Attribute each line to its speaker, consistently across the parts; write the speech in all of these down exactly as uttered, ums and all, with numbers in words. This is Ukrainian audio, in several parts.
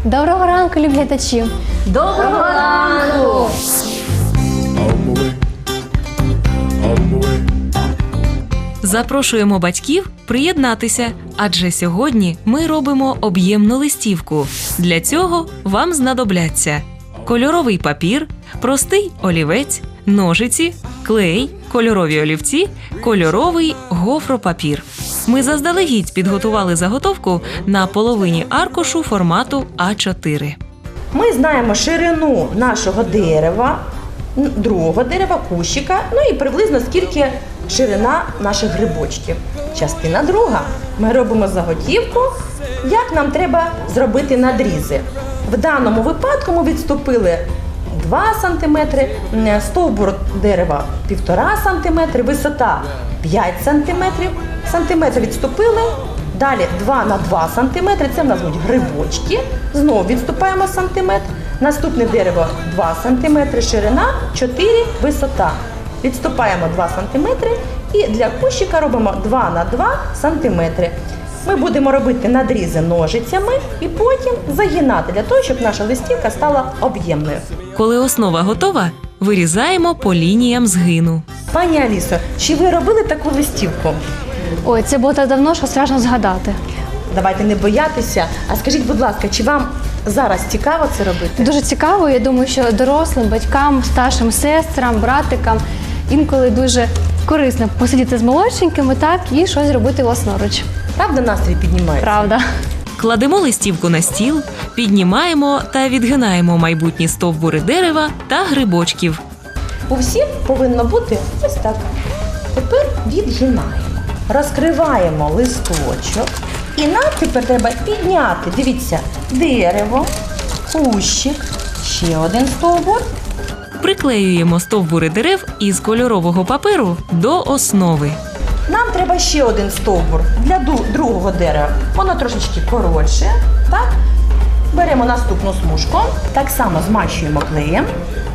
Speaker 1: Доброго ранку, любі глядачі!
Speaker 2: Доброго ранку!
Speaker 3: Запрошуємо батьків приєднатися, адже сьогодні ми робимо об'ємну листівку. Для цього вам знадобляться кольоровий папір, простий олівець, ножиці, клей, кольорові олівці, кольоровий гофропапір. Ми заздалегідь підготували заготовку на половині аркушу формату а чотири.
Speaker 2: Ми знаємо ширину нашого дерева, другого дерева, кущика, ну і приблизно скільки ширина наших грибочків. Частина друга. Ми робимо заготівку, як нам треба зробити надрізи. В даному випадку ми відступили два сантиметри, стовбур дерева півтора сантиметри, висота п'ять сантиметрів. Сантиметр відступили, далі два на два сантиметри, це в нас будуть грибочки. Знову відступаємо сантиметр. Наступне дерево два сантиметри, ширина, чотири, висота. Відступаємо два сантиметри і для кущика робимо два на два сантиметри. Ми будемо робити надрізи ножицями і потім загинати, для того, щоб наша листівка стала об'ємною.
Speaker 3: Коли основа готова, вирізаємо по лініям згину.
Speaker 2: Пані Алісо, чи ви робили таку листівку?
Speaker 1: Ой, це було так давно, що страшно згадати.
Speaker 2: Давайте не боятися. А скажіть, будь ласка, чи вам зараз цікаво це робити?
Speaker 1: Дуже цікаво, я думаю, що дорослим, батькам, старшим сестрам, братикам інколи дуже корисно посидіти з молодшенькими, так, і щось робити власноруч.
Speaker 2: Правда, настрій піднімається?
Speaker 1: Правда.
Speaker 3: Кладемо листівку на стіл, піднімаємо та відгинаємо майбутні стовбури дерева та грибочків.
Speaker 2: У всіх повинно бути ось так. Тепер відгинаємо. Розкриваємо листочок. І нам тепер треба підняти, дивіться, дерево, кущик, ще один стовбур.
Speaker 3: Приклеюємо стовбури дерев із кольорового паперу до основи.
Speaker 2: Нам треба ще один стовбур для другого дерева. Воно трошечки коротше. Так? Беремо наступну смужку, так само змащуємо клеєм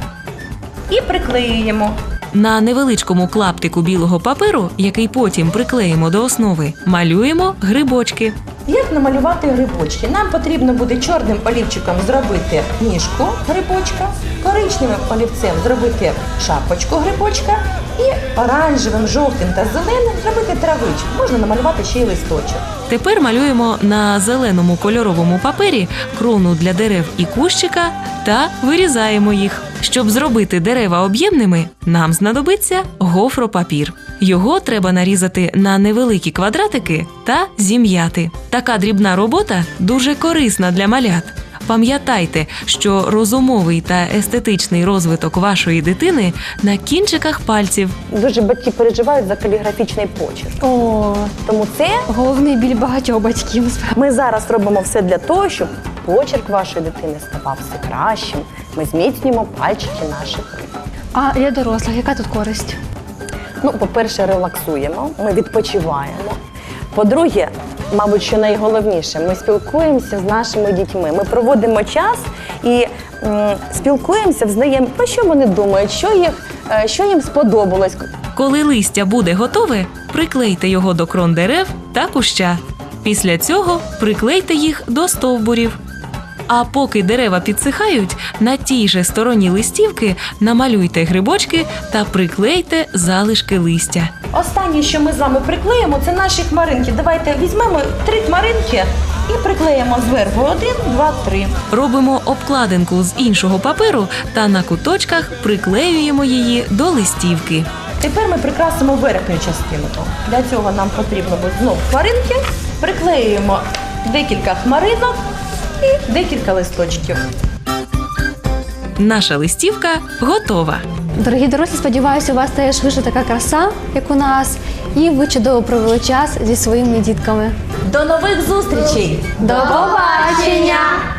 Speaker 2: і приклеюємо.
Speaker 3: На невеличкому клаптику білого паперу, який потім приклеїмо до основи, малюємо грибочки.
Speaker 2: Як намалювати грибочки? Нам потрібно буде чорним олівчиком зробити ніжку грибочка, коричневим олівцем зробити шапочку грибочка і оранжевим, жовтим та зеленим зробити травичку. Можна намалювати ще й листочок.
Speaker 3: Тепер малюємо на зеленому кольоровому папері крону для дерев і кущика та вирізаємо їх. Щоб зробити дерева об'ємними, нам знадобиться гофропапір. Його треба нарізати на невеликі квадратики та зім'яти. Така дрібна робота дуже корисна для малят. Пам'ятайте, що розумовий та естетичний розвиток вашої дитини на кінчиках пальців.
Speaker 2: Дуже батьки переживають за каліграфічний почерк.
Speaker 1: О,
Speaker 2: Тому це
Speaker 1: головний біль багатьох батьків.
Speaker 2: ми зараз робимо все для того, щоб почерк вашої дитини ставав все кращим. Ми зміцнюємо пальчики наших рук.
Speaker 1: А для дорослих яка тут користь?
Speaker 2: Ну, по-перше, релаксуємо, ми відпочиваємо. По-друге, мабуть, що найголовніше, ми спілкуємося з нашими дітьми. Ми проводимо час і м, спілкуємося, взнаємо, про що вони думають, що, їх, е, що їм сподобалось.
Speaker 3: Коли листя буде готове, приклейте його до крон дерев та куща. Після цього приклейте їх до стовбурів. А поки дерева підсихають, на тій же стороні листівки намалюйте грибочки та приклейте залишки листя.
Speaker 2: Останнє, що ми з вами приклеїмо, це наші хмаринки. Давайте візьмемо три хмаринки і приклеїмо зверху. Один, два, три.
Speaker 3: Робимо обкладинку з іншого паперу та на куточках приклеюємо її до листівки.
Speaker 2: Тепер ми прикрасимо верхню частинку. Для цього нам потрібно буде знову хмаринки. Приклеюємо декілька хмаринок і декілька листочків.
Speaker 3: Наша листівка готова.
Speaker 1: Дорогі дорослі, сподіваюся, у вас теж вийшла така краса, як у нас, і ви чудово провели час зі своїми дітками.
Speaker 2: До нових зустрічей!
Speaker 1: До побачення!